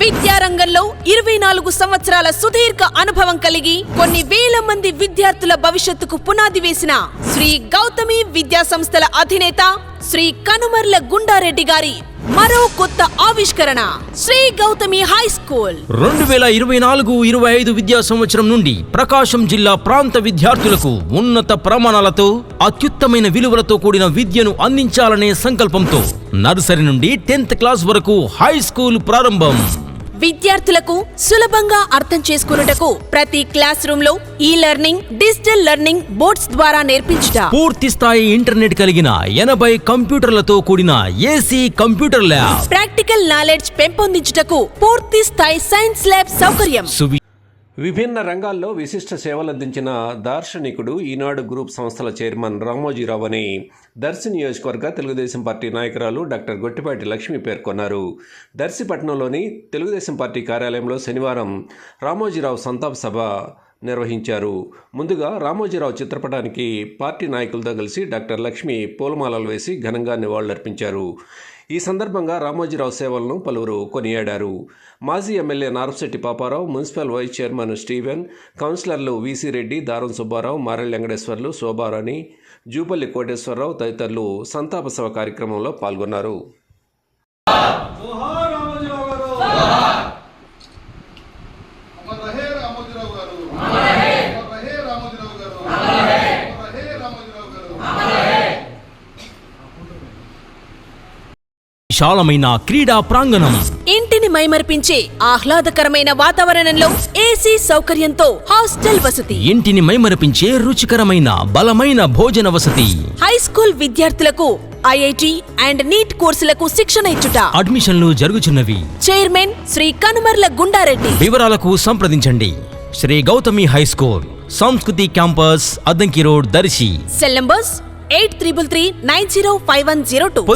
విద్యారంగంలో 24 సంవత్సరాల సుదీర్ఘ అనుభవం కలిగి కొన్ని వేల మంది విద్యార్థుల భవిష్యత్తుకు పునాది వేసిన శ్రీ గౌతమి విద్యా సంస్థల అధినేత శ్రీ కనుమర్ల గుండారెడ్డి గారి మరో కొత్త ఆవిష్కరణ శ్రీ గౌతమి హై స్కూల్ 2024-25 విద్యా సంవత్సరం నుండి ప్రకాశం జిల్లా ప్రాంత విద్యార్థులకు ఉన్నత ప్రమాణాలతో అత్యుత్తమైన విలువలతో కూడిన విద్యను అందించాలనే సంకల్పంతో నర్సరీ నుండి 10th క్లాస్ వరకు హై స్కూల్ ప్రారంభం. విద్యార్థులకు సులభంగా అర్థం చేసుకున్నటకు ప్రతి క్లాస్ రూమ్ లో ఈ లెర్నింగ్, డిజిటల్ లెర్నింగ్ బోర్డ్స్ ద్వారా నేర్పించుట, పూర్తి స్థాయి ఇంటర్నెట్ కలిగిన 80 కంప్యూటర్లతో కూడిన AC computer lab, practical knowledge పెంపొందించుటకు పూర్తి స్థాయి సైన్స్ ల్యాబ్ సౌకర్యం. విభిన్న రంగాల్లో విశిష్ట సేవలందించిన దార్శనికుడు ఈనాడు గ్రూప్ సంస్థల చైర్మన్ రామోజీరావు అని దర్శి నియోజకవర్గ తెలుగుదేశం పార్టీ నాయకురాలు డాక్టర్ గొట్టిపాటి లక్ష్మి పేర్కొన్నారు. దర్శిపట్నంలోని తెలుగుదేశం పార్టీ కార్యాలయంలో శనివారం రామోజీరావు సంతాప సభ నిర్వహించారు. ముందుగా రామోజీరావు చిత్రపటానికి పార్టీ నాయకులతో కలిసి డాక్టర్ లక్ష్మి పూలమాలలు వేసి ఘనంగా నివాళులర్పించారు. ఈ సందర్భంగా రామోజీరావు సేవలను పలువురు కొనియాడారు. మాజీ MLA Narapasetti Papa Rao, municipal vice chairman Steven, కౌన్సిలర్లు వీసీ రెడ్డి, దారం సుబ్బారావు, మారెల్ వెంకటేశ్వర్లు, శోభారాణి, జూపల్లి కోటేశ్వరరావు తదితరులు సంతాప సభ కార్యక్రమంలో పాల్గొన్నారు. విశాలమైన క్రీడా ప్రాంగణం, ఇంటిని మైమర్పించే ఆహ్లాదకరమైన వాతావరణంలో ఏసీ సౌకర్యంతో హాస్టల్ వసతి, ఇంటిని మైమరపించే రుచికరమైన బలమైన భోజన వసతి, హై స్కూల్ విద్యార్థులకు ఐఐటి అండ్ నీట్ కోర్సులకు శిక్షణ ఇచ్చుట, అడ్మిషన్లు జరుగుచున్నవి. చైర్మన్ శ్రీ కనుమర్ల గుండారెడ్డి. వివరాలకు సంప్రదించండి. Shri Gautami high school, Sanskriti campus, Addanki road, Darsi. Cell numbers 8333905102.